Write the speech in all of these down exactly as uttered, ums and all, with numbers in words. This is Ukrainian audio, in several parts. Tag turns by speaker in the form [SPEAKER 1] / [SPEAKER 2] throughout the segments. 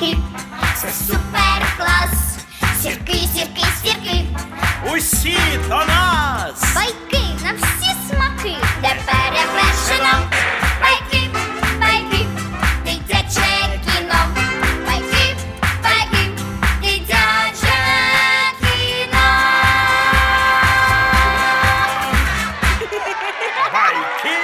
[SPEAKER 1] сірки, це супер клас. Сірки, сірки, сірки,
[SPEAKER 2] Усі до нас!
[SPEAKER 1] байки на всі смаки, де перевершено. Байки, байки, дитяче кіно. Байки, байки, дитяче кіно.
[SPEAKER 2] Байки!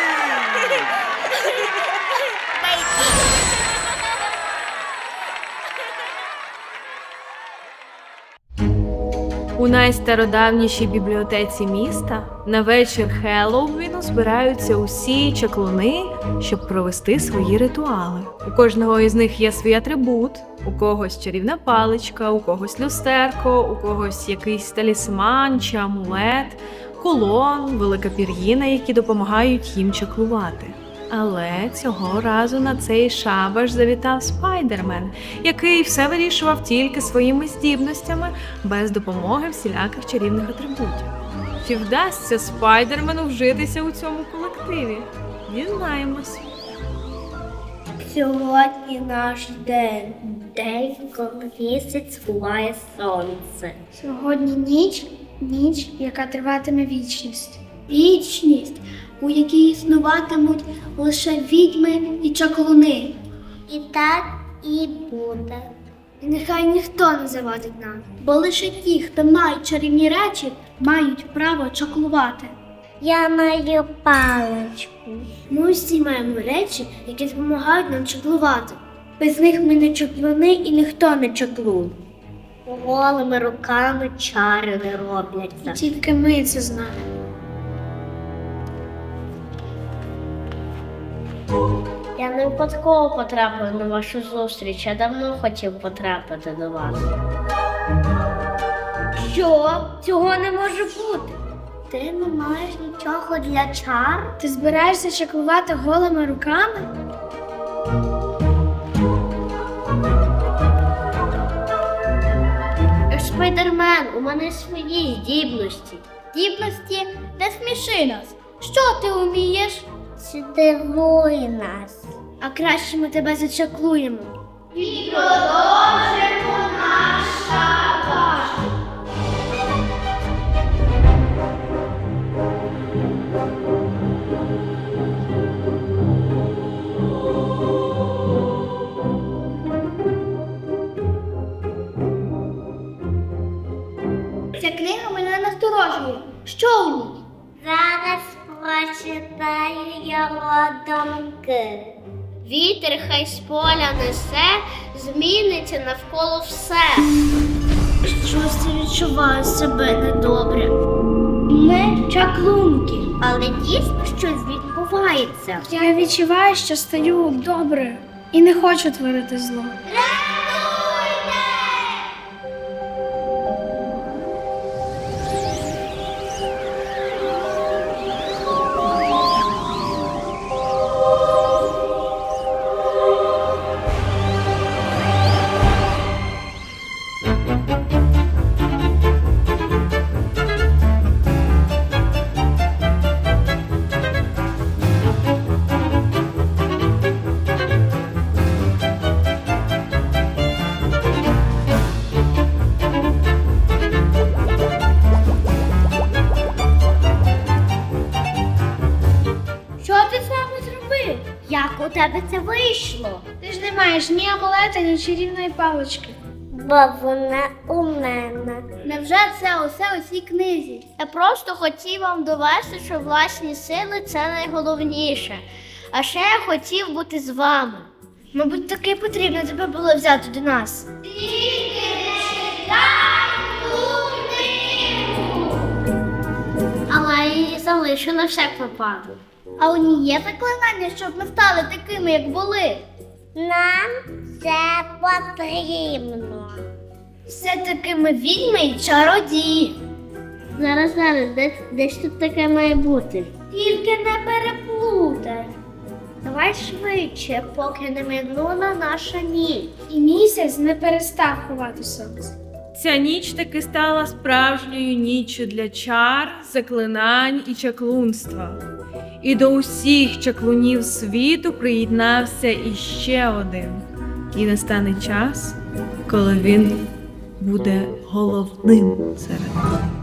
[SPEAKER 3] У найстародавнішій бібліотеці міста на вечір Хеллоуіну збираються усі чаклуни, щоб провести свої ритуали. У кожного із них є свій атрибут. У когось чарівна паличка, у когось люстерко, у когось якийсь талісман чи амулет, кулон, велика пір'їна, які допомагають їм чаклувати. Але цього разу на цей шабаш завітав Спайдермен, який все вирішував тільки своїми здібностями, без допомоги всіляких чарівних атрибутів. Чи вдасться Спайдермену вжитися у цьому колективі? Дізнаємось.
[SPEAKER 4] Сьогодні наш день, день, коли місяць ховає сонце.
[SPEAKER 5] Сьогодні ніч, ніч, яка триватиме вічність. Вічність, у якій існуватимуть лише відьми і чаклуни.
[SPEAKER 4] І так і буде.
[SPEAKER 5] І нехай ніхто не завадить нам, бо лише ті, хто мають чарівні речі, мають право чаклувати.
[SPEAKER 4] Я маю паличку.
[SPEAKER 5] Ми всі маємо речі, які допомагають нам чаклувати. Без них ми не чаклуни і ніхто не чаклун.
[SPEAKER 4] Голими руками чари не робляться.
[SPEAKER 5] Тільки ми це знаємо.
[SPEAKER 4] Я не випадково потрапив на вашу зустріч, я давно хотів потрапити до вас.
[SPEAKER 5] Що? Цього не може бути.
[SPEAKER 4] Ти не маєш нічого для чар?
[SPEAKER 5] Ти збираєшся чаклувати голими руками?
[SPEAKER 4] Спайдермен, у мене свої здібності.
[SPEAKER 5] Здібності? Не сміши нас. Що ти вмієш?
[SPEAKER 4] Здивуй нас.
[SPEAKER 5] А краще ми тебе зачаклуємо. Ця книга мене насторожує. Що у ній?
[SPEAKER 4] Зараз прочитаю його думки. Вітер хай з поля несе, зміниться навколо все.
[SPEAKER 5] Щось я відчуваю себе недобре. Ми чаклунки.
[SPEAKER 4] Але дійсно щось відбувається.
[SPEAKER 5] Я відчуваю, що стаю добре і не хочу творити зло. Що ти саме зробив?
[SPEAKER 4] Як у тебе це вийшло?
[SPEAKER 5] Ти ж не маєш ні амулета, ні чарівної палички.
[SPEAKER 4] Бо вона у мене.
[SPEAKER 5] Невже це усе у цій книзі?
[SPEAKER 4] Я просто хотів вам довести, що власні сили – це найголовніше. А ще я хотів бути з вами.
[SPEAKER 5] Мабуть, таки потрібно тебе було взяти до нас.
[SPEAKER 4] Але я її залишу на всяк випадок.
[SPEAKER 5] А у ній є заклинання, щоб ми стали такими, як були.
[SPEAKER 4] Нам це потрібно.
[SPEAKER 5] Все-таки ми відьми і чародії.
[SPEAKER 4] Зараз, зараз, десь, десь тут таке має бути.
[SPEAKER 5] Тільки не переплутай.
[SPEAKER 4] Давай швидше, поки не минула наша ніч.
[SPEAKER 5] І місяць не перестав ховати сонце.
[SPEAKER 3] Ця ніч таки стала справжньою ніччю для чар, заклинань і чаклунства. І до усіх чаклунів світу приєднався іще один. І настане час, коли він буде головним серед них.